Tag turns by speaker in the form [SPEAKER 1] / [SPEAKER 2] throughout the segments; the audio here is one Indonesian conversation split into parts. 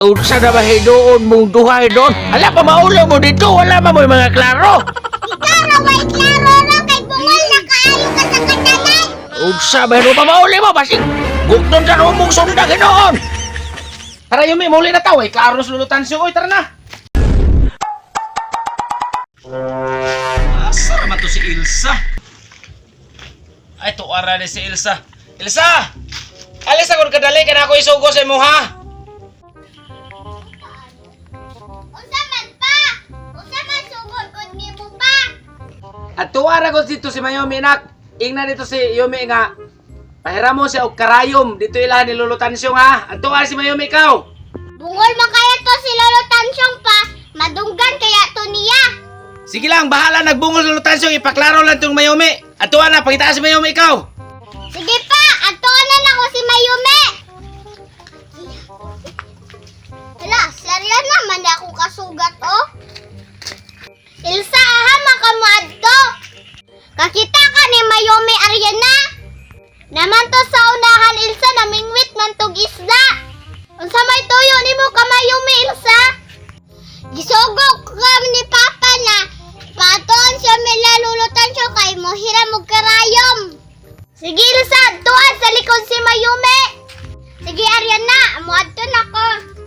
[SPEAKER 1] Unsa na ba hidoon mong duhay doon? Ala pa maulo mo dito, wala mo mga klaro.
[SPEAKER 2] Klaro, way klaro ro kay bungol na kaayo ka sa kadalan.
[SPEAKER 1] Unsa ba hidoon pa mauli mo basig bukton sa rumong sunda ginoon.
[SPEAKER 3] Tara Yumi, muli na tayo. Klaro na lulutan siya. Oy, tara na. Asa naman to si Ilsa? Ay, tuwara na si Ilsa. Ilsa! Alis ako kadali ka na ako isugo sa imo ha.
[SPEAKER 2] Unsa man pa? Unsa man sugod kun nimo pa?
[SPEAKER 3] At tuwara ko dito si Mayumi, nak. Ingna dito si Yumi nga. Pahiram mo siya og karayom. Dito ilahan ni lulutan siya ha. At tuwara si Mayumi ikaw.
[SPEAKER 2] Bungol man kaya to si Lolo Tansyong pa. Madunggan kaya to niya.
[SPEAKER 3] Sige lang, bahala. Nagbungol sa lulutan siya. Ipaklaro lang itong Mayumi. At tuwara, pakitaan si Mayumi ikaw.
[SPEAKER 2] Sige pa, atuanan ako si Mayumi. Hala, serya naman ako kasugat oh. Ilsa, aha makamu adto. Kakita ka ni Mayumi Ariana. Naman to sa unahan Ilsa namingwit man tog isda. Unsa may tuyo nimo ka Mayumi Ilsa? Gisugok ka ni Papa na patoon siya milalulutan siya kay mo hiram og karayom. Sige Ilsa, tuan sa likod si Mayumi. Sige Ariana, amo adto na ko.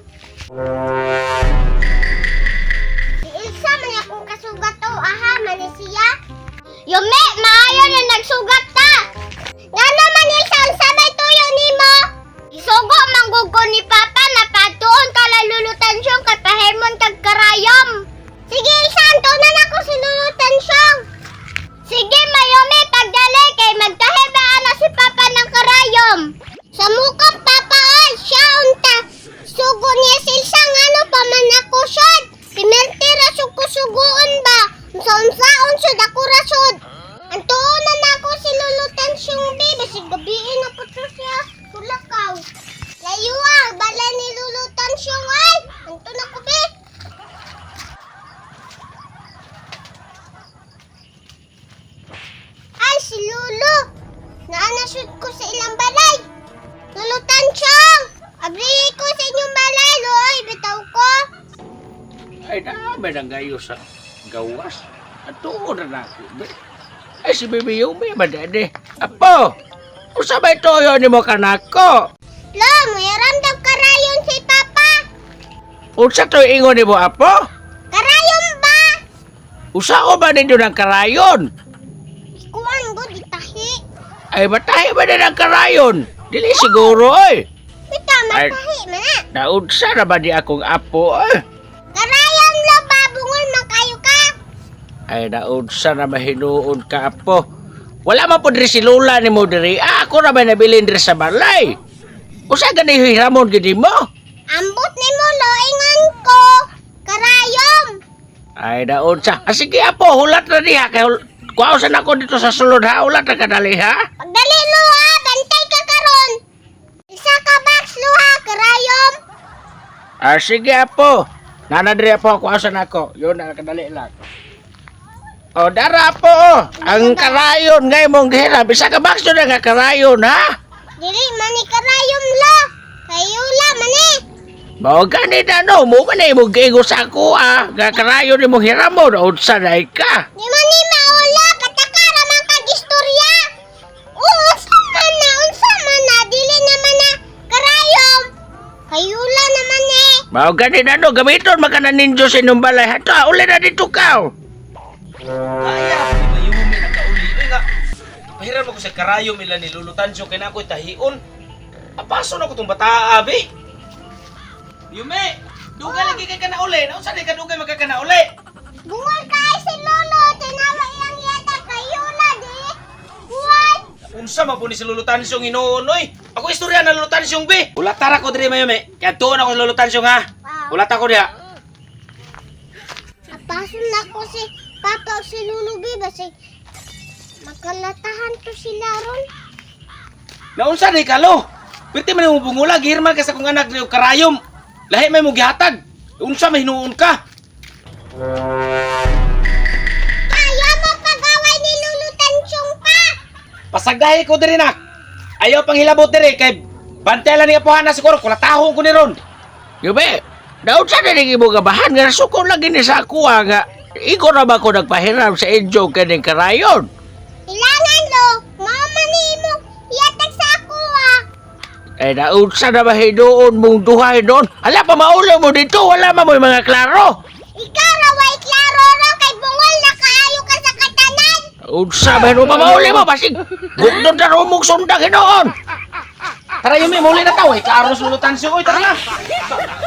[SPEAKER 2] Si Ilsa man akong kasugat to, aha man ni siya. Yumi, maayo na nagsugat ta. Nga naman Ilsa, unsa may tuyo nimo? Isugo manggugo ni Papa na patuon ka lalulutan siyang kay pahemon kag karayom. Sige Ilsa, antunan ako si lulutan siyang. Sige Mayumi, pagdali kay magkahibaan na si Papa ng karayom. Sa mukang Papa ay siya unta. Sugo niya si Ilsa ano pa man ako siyod. Simentira sugo-sugoon ba? Unsa-unsaon siyod ako rasod. Antunan ako si lulutan siyang baby. Sigabiin na po siya. Tulakaw. Layo bala ni lulutan siyang ay. Antun ako be. Ay, si Lulu! Naanashoot ko sa ilang balay! Lulutan siyang! Abri ko sa inyong balay, Loy! Bitaw ko!
[SPEAKER 1] Ay dami nang gayo sa gawas. At tuod na ako. Ay si Bibi Yumi madade. Apo! Unsa ba itoyo ni mo kanako?
[SPEAKER 2] Lo, mayroon daw karayon si Papa!
[SPEAKER 1] Unsa to ingon ni mo apo?
[SPEAKER 2] Karayon ba?
[SPEAKER 1] Usa ko ba ninyo ng karayon?
[SPEAKER 2] Ikuan ko, ditahi!
[SPEAKER 1] Ay matahi ba na ng karayon? Dili siguro oy.
[SPEAKER 2] Bita,
[SPEAKER 1] Ay.
[SPEAKER 2] matahi, mana!
[SPEAKER 1] Naunsa na ba di akong apo eh?
[SPEAKER 2] Karayon lo, babungol man kayo ka!
[SPEAKER 1] Ay naunsa na mahinuon ka apo. Wala man po diri si Lola ni mo diri. Ako na ba nabilin diri sa balay? Usa gani hiramon gidi mo?
[SPEAKER 2] Ambot ni mo, lo, ingon ko! Karayom!
[SPEAKER 1] Ay naunsa. Sige apo, hulat na diha kay kuwausan ako dito sa sulod ha. Hulat na kadali ha.
[SPEAKER 2] Pagdali lo ha, bantay ka karon. Isa ka box lo ha, karayom.
[SPEAKER 1] Sige apo. Nanadiri apo kuwausan ako. Yun na kadali lang. O dara po. Ang karayon ngay mong gihira. Bisa ka bakso na nga karayon ha.
[SPEAKER 2] Dili mani karayom lo. Kayula mani.
[SPEAKER 1] Mao gani na no. Mo ka na imong gigo sa ako ah. Nga karayon ni mong hiramon. Unsa na ka.
[SPEAKER 2] Di mani maula, patakara man kag istorya. Unsa man na, dili naman na karayom. Kayula naman eh.
[SPEAKER 1] Mao gani na no. Gamiton makanan ninyo sa inyong balay. Hato, uli na dito ka.
[SPEAKER 3] Kaya ako si Mayumi nagkauli. Uy nga, pahiram ako sa karayom ila ni lulutan siya. Kaya na ako'y tahion. Apaso na ko itong bata, abi. Yumi, dugay lagi kay ka na uli. Nausan ka dugay magka na uli.
[SPEAKER 2] Bungol ka ay si Lolo, tinawa ilang yata kayula di. What?
[SPEAKER 3] Unsa man po ni si lulutan siyang inoon, oy. Ako istorya na lulutan siyang bi. Ulatar ako diri Mayumi. Kaya tuon ako sa lulutan siyang ha.
[SPEAKER 2] Wow.
[SPEAKER 3] Ulat ako diha.
[SPEAKER 2] Apasun na ko si Papa o si Lulu bi basi makalatahan to sila ron.
[SPEAKER 3] Naunsa ni kalo? Pwede man mo bungula gihirman ka sa kong anak ni karayom. Lahi may mo gihatag. Unsa may hinuon ka?
[SPEAKER 2] Ayaw mo pagaway ni Lulu Tansyong pa.
[SPEAKER 3] Pasagahi ko diri nak. Ayaw pang hilabot diri kay bantelan ni apuhan na siguro kulatahon ko ni ron.
[SPEAKER 1] Yume, daon sa na ning imong gabahan nga suko lagi ni sa ako nga. Iko na ba ko nagpahiram sa inyo kaning karayon?
[SPEAKER 2] Ilangan lo, mama ni mo, iatag sa ako ah.
[SPEAKER 1] Eh, naunsa na ba doon mong duhay doon? Ala pa maulaw mo dito, wala mo mga klaro.
[SPEAKER 2] Ikaw raway klaro ro, kay bungol na kaayo ka sa katanan.
[SPEAKER 1] Unsa ba no mamauli mo basig gudon ta rumong sundang hinoon.
[SPEAKER 3] Tara Yume, muli na tayo. Klaro sulutan siya. Uy, tara na.